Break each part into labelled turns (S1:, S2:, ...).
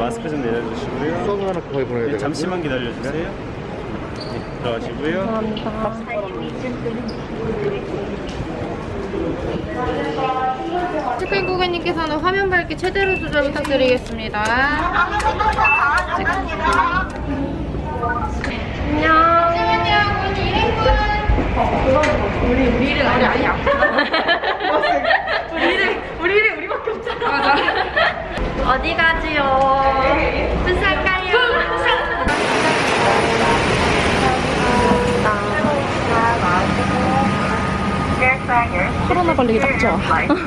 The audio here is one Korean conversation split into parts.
S1: 마스크 좀 내려주시고요.
S2: 수업 하나 거의 보내야 돼.
S1: 잠시만 기다려주세요. 네, 들어가시고요.
S3: 체크인 고객님께서는 화면 밝기 최대로 조절 부탁드리겠습니다. 안녕. 우리 일은 아니야. 우리 일은 우리밖에 없잖아. 맞아. 어디 가지요? 부산 가요. 코로나 걸리기 딱 좋아.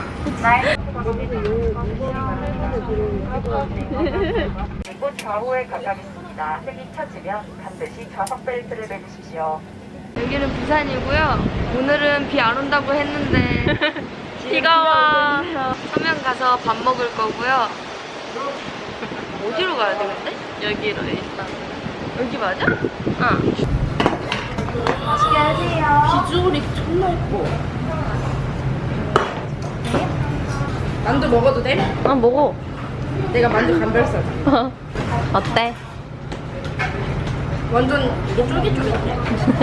S4: 그리고 좌우에 가까겠습니다. 색이 쳐지면 반드시 좌석 벨트를 매주십시오.
S3: 여기는 부산이고요. 오늘은 비 안 온다고 했는데 비가 와. 서면 가서 밥 먹을 거고요. 어디로 가야 돼 근데? 여기로 일단. 여기 맞아? 응. 맛있게 하세요. 비주얼이 존나 예뻐. 만두 먹어도 돼? 아 먹어. 내가 만두 감별사. 어때? 완전 이거 쫄깃쫄깃해.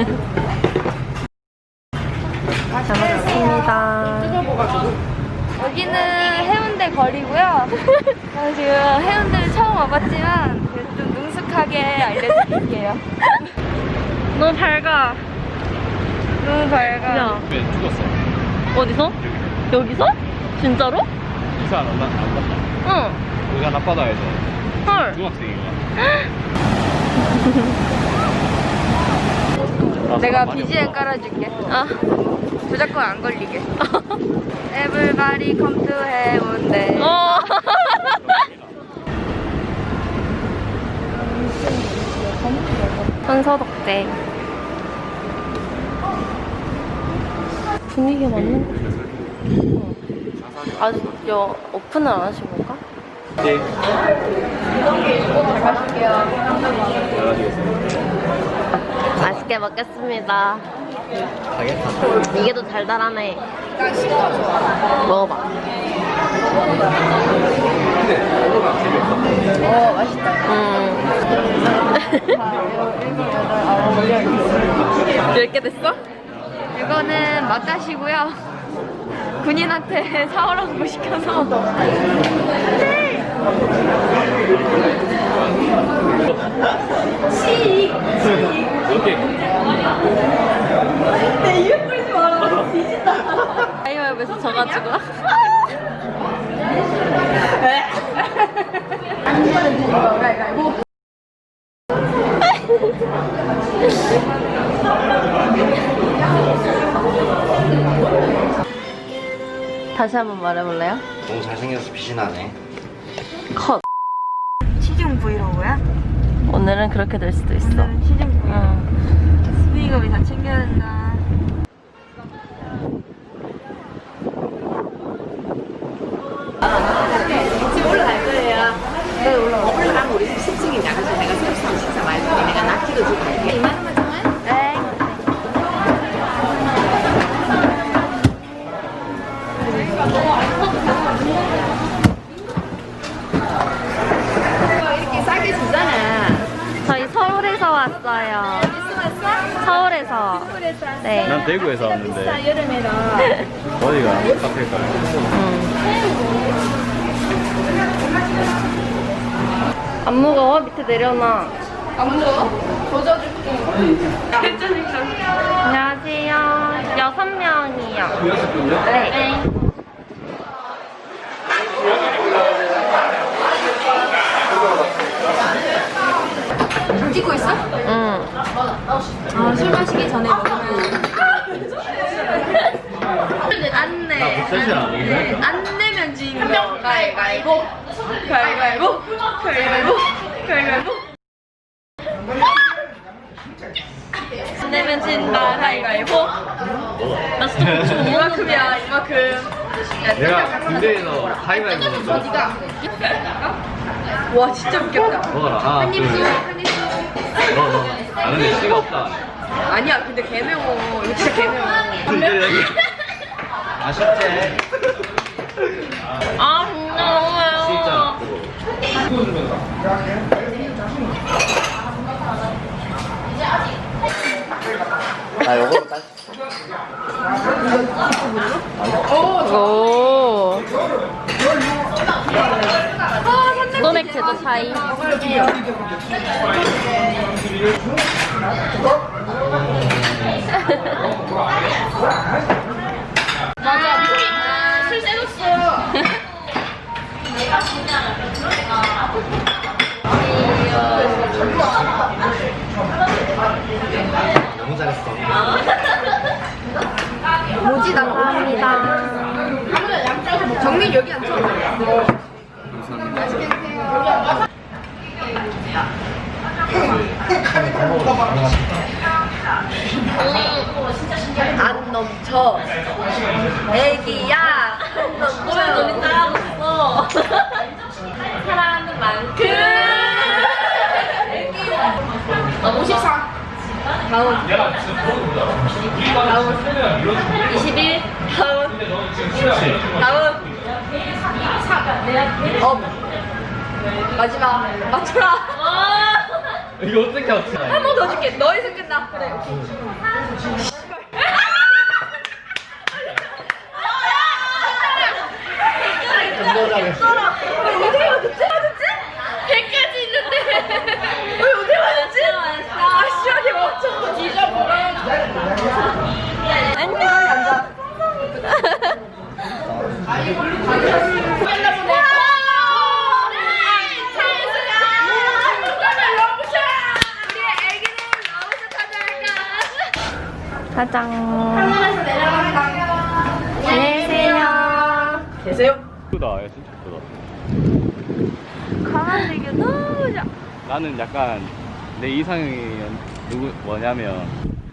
S3: 잘 먹겠습니다. 뜨거워가지고. 여기는 해운대 거리고요. 저는 지금 해운대를 처음 와봤지만 그래도 좀 능숙하게 알려드릴게요. 너무 밝아. 너무 밝아. 야.
S1: 왜 죽었어?
S3: 어디서? 여기서? 진짜로?
S1: 이사 안 간다?
S3: 응.
S1: 우산 앞바다에서
S3: 헐.
S1: 중학생인가?
S3: 내가 BGM 깔아줄게. 아. 저작권 안 걸리게. Everybody come to 해운대. 선서덕대. 분위기가 맞는 거. 아직 오픈을 안 하신 건가?
S1: 네.
S3: 잘 마실게요.
S1: 잘하시겠습니다.
S3: 맛있게 먹겠습니다.
S1: 가겠다.
S3: 이게 더 달달하네. 먹어봐. 맛있다. 몇 개 됐어? 이거는 맛다시고요. 군인한테 사오라고 시켜서.
S1: 오케이.
S3: 내 이름 뿌리지 말아. 뒤진다. 가위바위보에서 져가지고. 다시 한번 말해볼래요?
S2: 너무 잘생겨서 빛이 나네.
S3: 컷.
S4: 시중 브이로그야?
S3: 오늘은 그렇게 될 수도 있어.
S4: 오늘은 시중 브이로그.
S3: 응.
S4: 수익금이 다 챙겨야 된다.
S5: 지금 올라갈 거예요. 네, 올라가면 우리 10층이냐. 그래서 내가 새우상 식사 많이 했더니 내가 낙지도 주고 갈게. 2만 원만 정말?
S3: 네.
S5: 이렇게 싸게 주잖아.
S3: 저희 서울에서 왔어요.
S5: 어디서 왔어?
S3: 서울에서.
S5: 서울에서 왔어?
S3: 네.
S1: 난 대구에서 왔는데
S5: 비싸, 여름에는.
S1: 어디가 카페일까요?
S3: 안 무거워? 밑에 내려놔.
S5: 안 무거워? 젖어줄게.
S3: 안녕하세요. 6명이요. 네.
S5: 찍고 있어?
S3: 응.
S5: 아, 술 마시기 전에 먹으면.
S3: 안내.
S1: 사실 아니겠네.
S3: 안 내면 지는 거. 가위바위보. 가위바위보. 가위바위보. 가위바위보. 안 내면 진다. 가위바위보. 나 스톱 좀 이만큼이야. 이만큼.
S1: 내가 군대에서 가위바위보 했어.
S3: 와 진짜 웃겼다.
S1: 먹어라. 하나, 둘, 셋. 너. 아, 근데 씨가 없다.
S3: 아니야 근데 개매워. 이거 진짜 개매워.
S1: 아쉽지?
S3: 아 진짜 너무 매워.
S1: 진짜.
S2: 나 요거로 딸.
S3: 오. 소맥 제도 차이. 맞아. 술 쎄줬어.
S2: 너무 잘했어.
S3: 모지 감사합니다. 정민 여기 앉혀. 안 넘쳐. 애기야. 안 넘쳐. 너네 따라줬어. 사랑하는 만큼. 애기야. 54. 다운. 21. 다운. 업. 마지막. 맞춰라.
S2: 이거 어떻게 맞춰?
S3: 한 번 더 줄게. 너에서 끝나. 그래.
S2: 너무 잘했어.
S3: 어떻게 맞췄지? 100까지 있는데. 어떻게 맞췄지? 아, 시원하게 맞췄어. 진짜 뭐라. 안녕. 앉아. 가장. 안녕하세요. 계세요?
S6: 예쁘다. 야, 진짜 예쁘다.
S3: 강아지가 너무 좋아.
S6: 나는 약간 내 이상형이 뭐냐면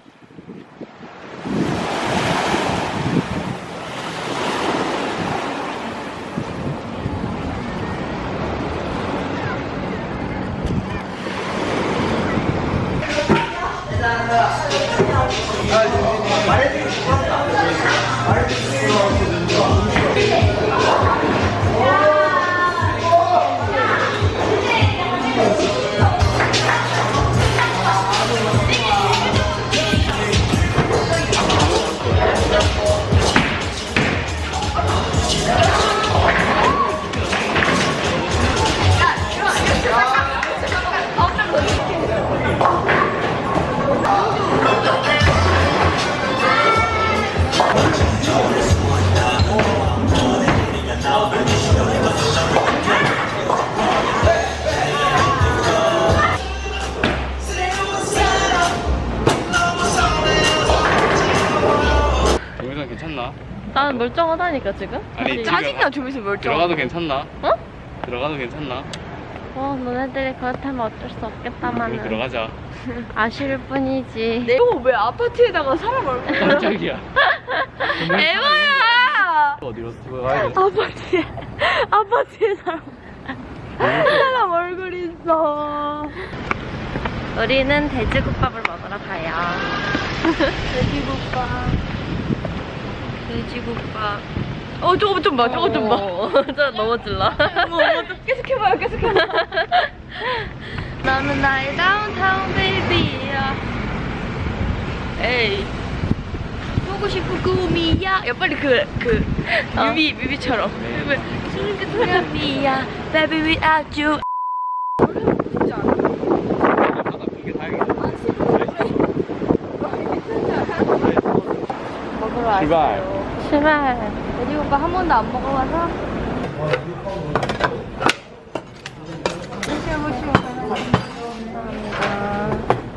S6: 동영상 괜찮나?
S3: 나는 멀쩡하다니까 지금.
S6: 아니,
S3: 짜증나 좀 있으면 멀쩡.
S6: 들어가도 괜찮나?
S3: 어?
S6: 들어가도 괜찮나?
S3: 너네들이 그렇다면 어쩔 수
S6: 그럼
S3: 없겠다마는.
S6: 들어가자.
S3: 아쉬울 뿐이지. 이거 왜 아파트에다가 사람 얼굴?
S6: 깜짝이야.
S3: 에바야.
S6: 어디로 들어가야 돼?
S3: 아파트에 사람 얼굴 있어. 우리는 돼지국밥을 먹으러 가요. 돼지국밥. 저거 좀 봐, 저거 좀 봐. 저 넘어질라. 계속 해봐요, 계속 해봐요. 너는 나의 다운타운 베이비야. 에이. 보고 싶은 꿈이야. 야, 빨리 뮤비처럼. 꿈이야. Baby without you.
S6: 이게 다행이다.
S3: 먹으러 왔어요. 출발. 돼지국밥 한 번도 안 먹어봐서. 드셔보시면 감사합니다.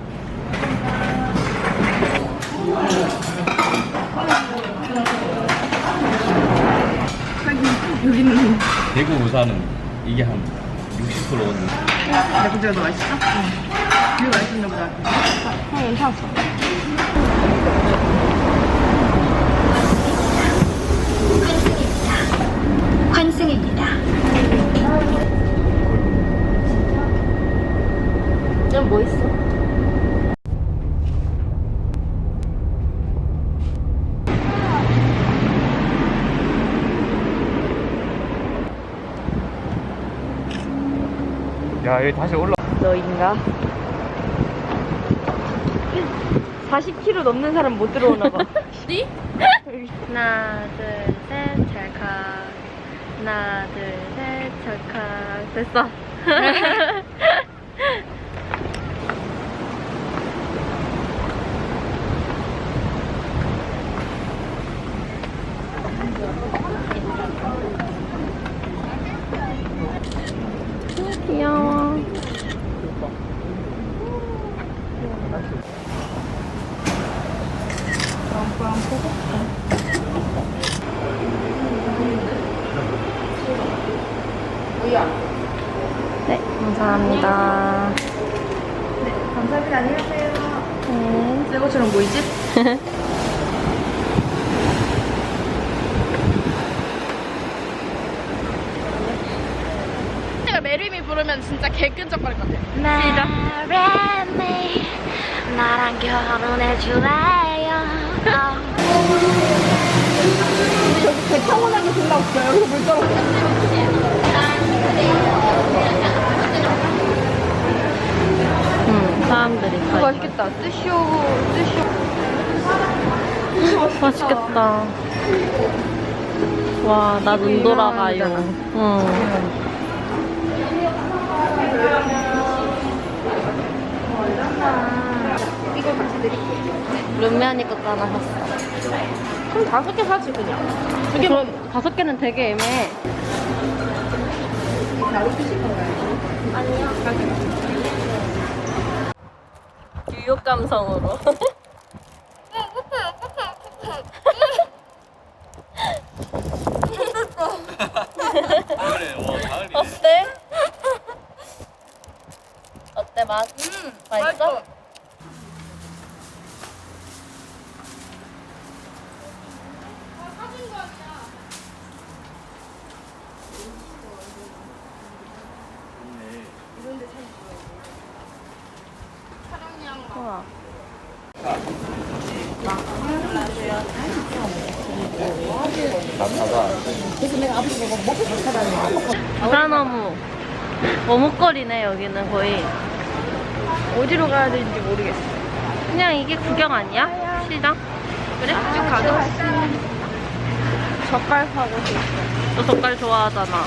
S6: 대구 우산은 이게 한 60%는
S5: 근데 너 맛있어? 응. 이거 맛있었나 보다.
S3: 괜찮았어.
S4: 환승입니다.
S3: 넌 뭐 있어?
S6: 야, 여기 다시 올라.
S3: 너인가? 40kg 넘는 사람 못 들어오나 봐. 어디? 하나, 둘, 셋, 찰칵. 하나, 둘, 셋, 찰칵. 됐어. 귀여워. 네, 감사합니다.
S5: 감사합니다. 안녕하세요.
S3: 네.
S5: 새 것처럼 보이지?
S1: 내가 메리미 부르면 진짜 개끈적거릴 것 같아.
S3: 메리미 나랑 결혼해 줄래요?
S5: 타고나게 둘다 없어요. 여기서 물 떨어.
S3: 사람들이 맛있겠다. 뜨쇼. 맛있겠다. 와, 나 눈 돌아가요. 응.
S5: 이거 같이 드릴게요.
S3: 룸메언니 것도 하나 샀어.
S5: 그럼 5개 사지 그냥.
S3: 그럼 5개는 되게 애매해.
S5: 바로 드실 건가요?
S3: 뉴욕 감성으로.
S6: 그래, 와, 가을이네.
S3: 어때? 어때 맛? 맛있어? 우와. 부산어묵 어묵거리네. 여기는 거의. 어디로 가야 되는지 모르겠어. 그냥 이게 구경 아니야? 시장? 그래? 쭉 가자. 젓갈 사고 싶어. 너 젓갈 좋아하잖아.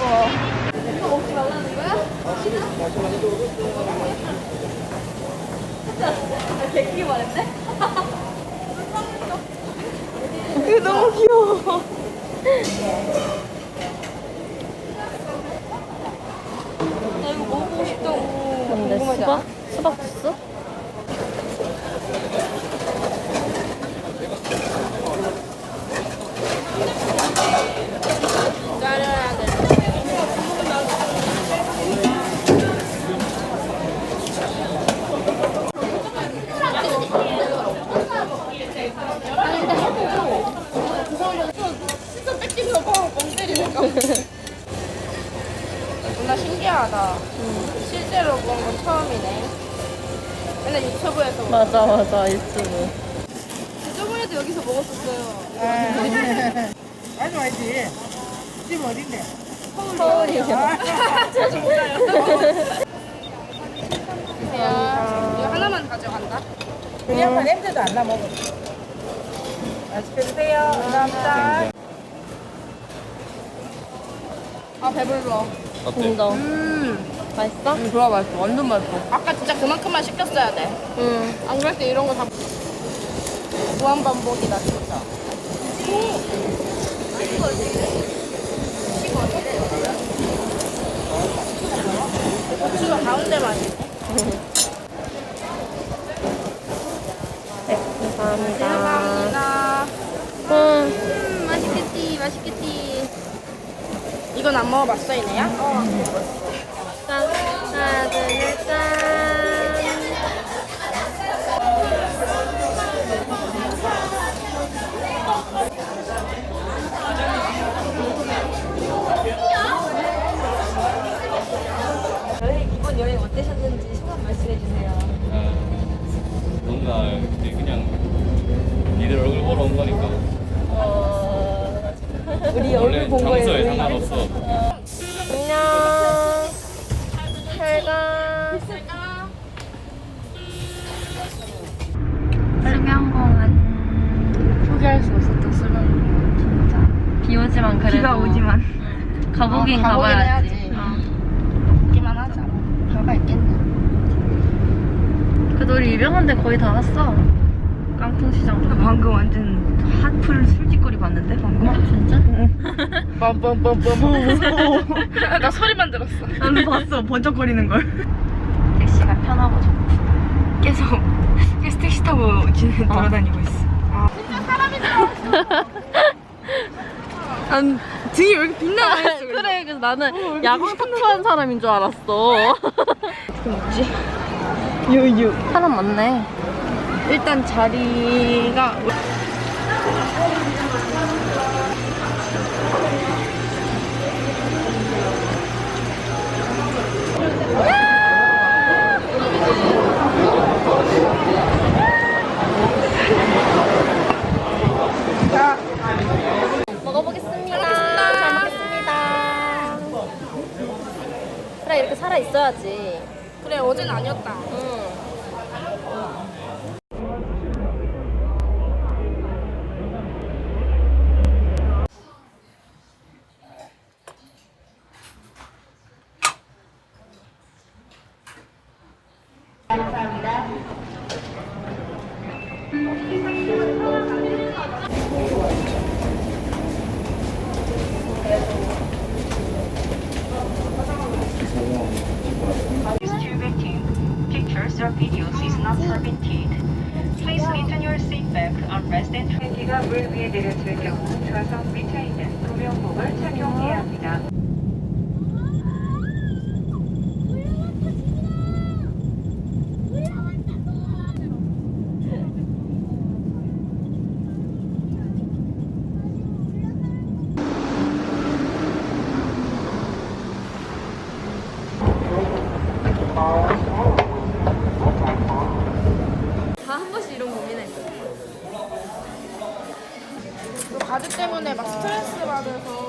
S3: 이거 너무 귀여워. 나 이거 먹어보고 싶다고. 근데 수박? 수박 주스?
S1: 기다려야 돼. 진짜 뺏기면 바로 멍 때리니까. 존나 신기하다. 실제로 본 건 처음이네. 맨날 유튜브에서 본
S3: 맞아 유튜브.
S1: 저번에도 여기서 먹었었어요.
S5: 알지. 집 어딘데?
S3: 서울이요.
S1: 이거 하나만 가져간다.
S5: 그 양반 냄새도 안 나 먹어. 맛있게 드세요. 감사합니다.
S1: 아 배불러.
S6: 어때?
S3: 인정. 맛있어?
S1: 좋아 맛있어. 완전 맛있어. 아까 진짜 그만큼만 시켰어야 돼.
S3: 응.
S1: 안 그럴 때 이런 거 다 무한 반복이다 진짜. 고추가 가운데만 있네.
S3: 감사합니다.
S1: 감사합니다.
S3: 응.
S1: 맛있겠지. 이건 안 먹어봤어 이네야?
S3: 짠. 하나, 둘, 셋, 짠.
S5: 이번 여행 어떠셨는지 소감 말씀해주세요.
S6: 뭔가 그냥 니들 얼굴 보러 온 거니까.
S3: 우리
S6: 원래
S3: 얼굴 본 거예요.
S6: 장소에 상관없어.
S3: 안녕. 잘 가. 가보긴
S1: 가보긴
S3: 가봐야지.
S1: 해야지.
S3: 어.
S1: 있기만 하자. 별거 있겠네.
S3: 그래도 우리 유명한 데 거의 다 왔어. 깡통시장도. 방금 완전 핫플 술집거리 봤는데 방금? 진짜?
S1: 빰빰빰빰. 나 소리만 들었어.
S3: 나는 봤어. 번쩍거리는 걸. 택시가 편하고 좋고 계속 택시 타고 돌아다니고 있어.
S1: 진짜 사람이 들어왔어.
S3: 난 등이 왜 이렇게 빛나? 그래, 그래서 나는 야광 타투한 사람인 줄 알았어. 어떻게 먹지? 유유. 사람 많네. 일단 자리가 먹어보겠습니다. 잘 먹겠습니다. 그래, 이렇게 살아 있어야지.
S1: 그래 어제는 아니었다.
S7: Distributing pictures or videos is not permitted. Please listen your seatback, armrest and 트랙기가 물 위에 내려질 경우 좌석 밑에 있는 구명복을 착용해야 합니다.
S3: 다 한 번씩 이런 고민했어.
S1: 너 가드 때문에 막 스트레스 받아서